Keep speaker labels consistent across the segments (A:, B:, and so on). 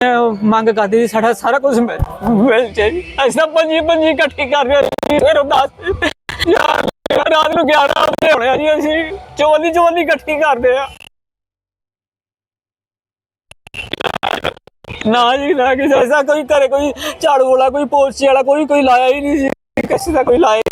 A: ਮੰਗ ਕਰਦੀ ਸੀ ਸਾਡਾ ਸਾਰਾ ਕੁਝ ਮਿਲ ਜੇ ਜੀ। ਅਸੀਂ ਤਾਂ ਪੰਜੀ ਇਕੱਠੀ ਕਰ ਰਹੇ ਸੀ, ਫਿਰ ਉਹ 10 ਯਾਰ ਰਾਤ ਨੂੰ 11 ਵਜੇ ਹੋਣੇ ਆ ਜੀ। ਅਸੀਂ ਚੋਲੀ ਇਕੱਠੀ ਕਰਦੇ ਆ। ਨਾ ਜੀ ਨਾ, ਕਿਸੇ ਐਸਾ ਕੋਈ ਘਰੇ ਕੋਈ ਝਾੜੂ ਵਾਲਾ, ਕੋਈ ਪੋਚੇ ਵਾਲਾ, ਕੋਈ ਲਾਇਆ ਹੀ ਨਹੀਂ ਸੀ, ਕਿਸੇ ਦਾ ਕੋਈ ਲਾਇਆ।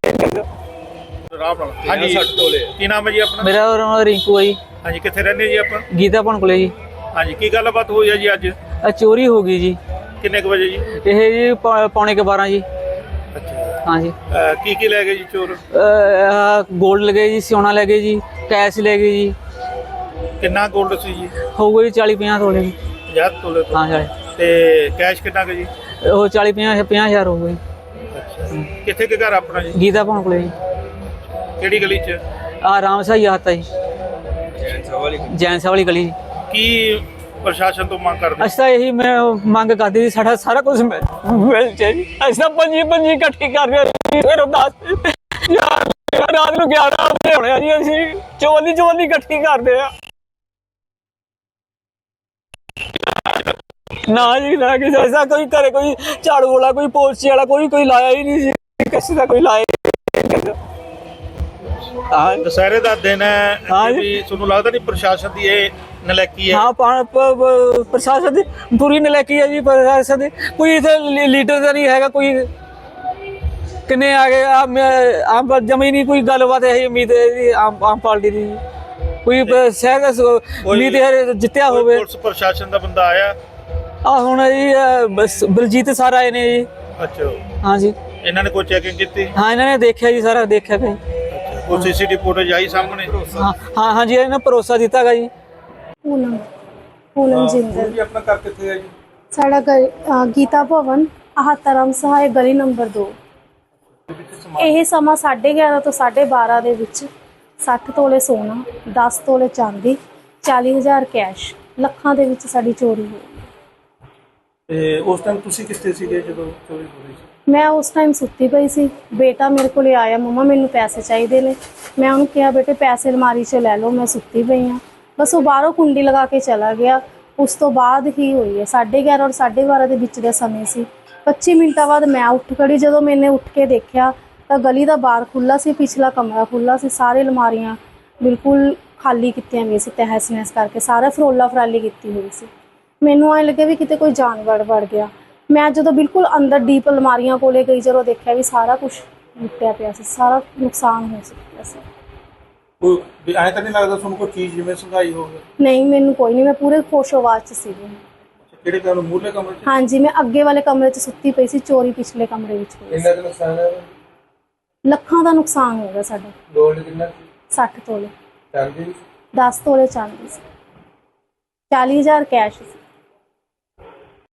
B: ਹਾਂਜੀ ਕੀ ਨਾਮ ਹੈ ਜੀ ਆਪਣਾ?
A: ਮੇਰਾ ਨਾਮ ਰਿੰਕੂ ਹੈ ਜੀ।
B: ਹਾਂਜੀ ਕਿੱਥੇ ਰਹਿੰਦੇ ਜੀ ਆਪਾਂ?
A: ਗੀਤਾ ਭਣ ਕੋਲੇ ਜੀ।
B: ਹਾਂਜੀ ਕੀ ਗੱਲਬਾਤ ਹੋਈ ਹੈ ਜੀ ਅੱਜ?
A: ਚੋਰੀ ਹੋ ਗਈ ਜੀ।
B: ਕਿੰਨੇ ਕੁ ਵਜੇ ਜੀ?
A: ਇਹ ਜੀ ਪੌਣੇ 12 ਜੀ।
B: ਅੱਛਾ
A: हाँ जी।
B: की ले गए जी चोर?
A: गोल्ड ले गए जी, सोना ले गए जी, कैश ले गए जी।
B: कितना गोल्ड सी जी?
A: हो गई 40-50 तोले जी।
B: 50 तोले तो?
A: हाँ सर।
B: ते कैश कितना के जी?
A: वो 40-50 हज़ार हो गई।
B: अच्छा किथे के घर अपना जी?
A: गीता भवन कोले जी।
B: केड़ी गली च?
A: राम साही आता जी, जैन वाली गली।
B: की प्रशासन तो मांग कर?
A: ਅਸੀਂ ਤਾਂ ਇਹੀ ਮੈਂ ਮੰਗ ਕਰਦੀ ਸੀ ਸਾਡਾ ਸਾਰਾ ਕੁਝ ਮਿਲ ਜੇ ਜੀ। ਅਸੀਂ ਤਾਂ ਪੰਜੀ ਇਕੱਠੀ ਕਰ ਰਹੇ ਸੀ, ਫਿਰ ਉਹ 10 ਯਾਰ ਰਾਤ ਨੂੰ 11 ਵਜੇ ਹੋਣੇ ਆ ਜੀ। ਅਸੀਂ ਚੋਲੀ ਇਕੱਠੀ ਕਰਦੇ ਆ। ਨਾ ਜੀ ਨਾ, ਕਿਸੇ ਐਸਾ ਕੋਈ ਘਰੇ ਕੋਈ ਝਾੜੂ ਵਾਲਾ, ਕੋਈ ਪੋਚੇ ਵਾਲਾ, ਕੋਈ ਲਾਇਆ ਹੀ ਨਹੀਂ ਸੀ, ਕਿਸੇ ਦਾ ਕੋਈ ਲਾਇਆ। हाँ
B: दशहरे का दिन है।
A: हाँ जी।
B: भी ਤੁਹਾਨੂੰ ਲੱਗਦਾ ਨਹੀਂ ਪ੍ਰਸ਼ਾਸਨ ਦੀ ਇਹ ਨਲਾਇਕੀ ਹੈ?
A: हाँ प्रशासन की पूरी नलैकी है जी। प्रशासन की कोई इतने लीडर का नहीं है, कोई किन्ने आ गए आम जमी नहीं कोई गलबात है। उम्मीद है जी आम पार्टी की कोई शहर उम्मीद है जितया हो।
B: ਪੁਲਿਸ ਪ੍ਰਸ਼ਾਸਨ ਦਾ ਬੰਦਾ ਆਇਆ?
A: ਹੁਣ जी बलजीत सर आए ने जी।
B: ਅੱਛਾ
A: हाँ जी।
B: ਇਹਨਾਂ ਨੇ ਕੋਈ ਚੈਕਿੰਗ ਕੀਤੀ?
A: हाँ इन्होंने देखा जी, सारा देखा कहीं।
B: ਕੋਈ ਸੀਸੀਟੀਵੀ ਫੁਟੇਜ ਆਈ ਸਾਹਮਣੇ?
A: हाँ जी, इन्होंने भरोसा दिता गा जी।
C: पूनम जिंदल
B: ਜੀ ਆਪਣਾ ਘਰ ਕਿੱਥੇ ਹੈ ਜੀ?
C: साड़ा गीता भवन आहतरम सहाय गली नंबर 2। ਇਹ ਸਮਾਂ 11:30 ਤੋਂ 12:30 ਦੇ ਵਿੱਚ 60 ਤੋਲੇ ਸੋਨਾ, 10 ਤੋਲੇ ਚਾਂਦੀ, 40,000 ਕੈਸ਼, ਲੱਖਾਂ ਦੇ ਵਿੱਚ ਸਾਡੀ ਚੋਰੀ ਹੋਈ।
B: ਤੇ ਉਸ ਟਾਈਮ ਤੁਸੀਂ ਕਿੱਥੇ ਸੀਗੇ ਜਦੋਂ ਚੋਰੀ ਹੋ ਰਹੀ ਸੀ?
C: ਮੈਂ ਉਸ ਟਾਈਮ ਸੁੱਤੀ ਪਈ ਸੀ। ਬੇਟਾ ਮੇਰੇ ਕੋਲੇ ਆਇਆ, ਮੰਮਾ ਮੈਨੂੰ ਪੈਸੇ ਚਾਹੀਦੇ ਨੇ। ਮੈਂ ਉਹਨੂੰ ਕਿਹਾ ਬੇਟੇ ਪੈਸੇ ਅਲਮਾਰੀ 'ਚ ਲੈ ਲਓ, ਮੈਂ ਸੁੱਤੀ ਪਈ ਹਾਂ। ਬਸ ਉਹ ਬਾਹਰੋਂ ਕੁੰਡੀ ਲਗਾ ਕੇ ਚਲਾ ਗਿਆ। ਉਸ ਤੋਂ ਬਾਅਦ ਹੀ ਹੋਈ ਹੈ। 11:30 ਔਰ 12:30 ਦੇ ਵਿੱਚ ਦਾ ਸਮੇਂ ਸੀ। 25 ਮਿੰਟਾਂ ਬਾਅਦ ਮੈਂ ਉੱਠ ਖੜੀ। ਜਦੋਂ ਮੈंने ਉੱਠ ਕੇ ਦੇਖਿਆ ਤਾਂ ਗਲੀ ਦਾ ਬਾਰ ਖੁੱਲ੍ਹਾ ਸੀ, ਪਿਛਲਾ ਕਮਰਾ ਖੁੱਲ੍ਹਾ ਸੀ। ਸਾਰੇ ਅਲਮਾਰੀਆਂ ਬਿਲਕੁਲ ਖਾਲੀ ਕੀਤੀਆਂ ਗਈਆਂ ਸੀ, ਤਹਿਸ ਨਹਿਸ ਕਰਕੇ ਸਾਰਾ ਫਰੋਲਾ ਫਰਾਲੀ ਕੀਤੀ ਹੋਈ ਸੀ। ਮੈਨੂੰ ਐਂ ਲੱਗਿਆ ਵੀ ਕਿਤੇ ਕੋਈ ਜਾਨਵਰ ਵੜ ਗਿਆ। ਮੈਂ ਜਦੋਂ ਬਿਲਕੁਲ ਅੰਦਰ ਡੀਪ ਅਲਮਾਰੀਆਂ ਕੋਲੇ ਗਈ, ਜਦੋਂ ਦੇਖਿਆ ਵੀ ਸਾਰਾ ਕੁਝ ਲੁੱਟਿਆ ਪਿਆ ਸੀ, ਸਾਰਾ ਨੁਕਸਾਨ ਹੋ ਚੁੱਕਿਆ ਸੀ।
B: ਕੋਈ ਐਂ ਤਾਂ ਨਹੀਂ ਲੱਗਦਾ ਤੁਹਾਨੂੰ ਕੋਈ ਚੀਜ਼ ਜਿਵੇਂ ਸੰਘਾਈ ਹੋਵੇ?
C: ਨਹੀਂ ਮੈਨੂੰ ਕੋਈ ਨਹੀਂ, ਮੈਂ ਪੂਰੇ ਖੁਸ਼ੋ-ਆਵਾਜ਼ 'ਚ ਸੀਗੀ।
B: ਕਿਹੜੇ ਕਮਰੇ? ਮੂਹਰਲੇ ਕਮਰੇ 'ਚ?
C: ਹਾਂਜੀ ਮੈਂ ਅੱਗੇ ਵਾਲੇ ਕਮਰੇ 'ਚ ਸੁੱਤੀ ਪਈ ਸੀ। ਚੋਰੀ ਪਿਛਲੇ ਕਮਰੇ ਵਿੱਚ ਹੋਈ ਸੀ।
B: ਕਿੰਨਾ ਕੁ ਨੁਕਸਾਨ ਹੈ?
C: ਲੱਖਾਂ ਦਾ ਨੁਕਸਾਨ ਹੋ ਗਿਆ ਸਾਡਾ।
B: ਗੋਲਡ ਕਿੰਨਾ?
C: 60 ਤੋਲੇ,
B: ਚਾਂਦੀ?
C: 10 ਤੋਲੇ ਚਾਂਦੀ ਸੀ, 40,000 ਕੈਸ਼ ਸੀ।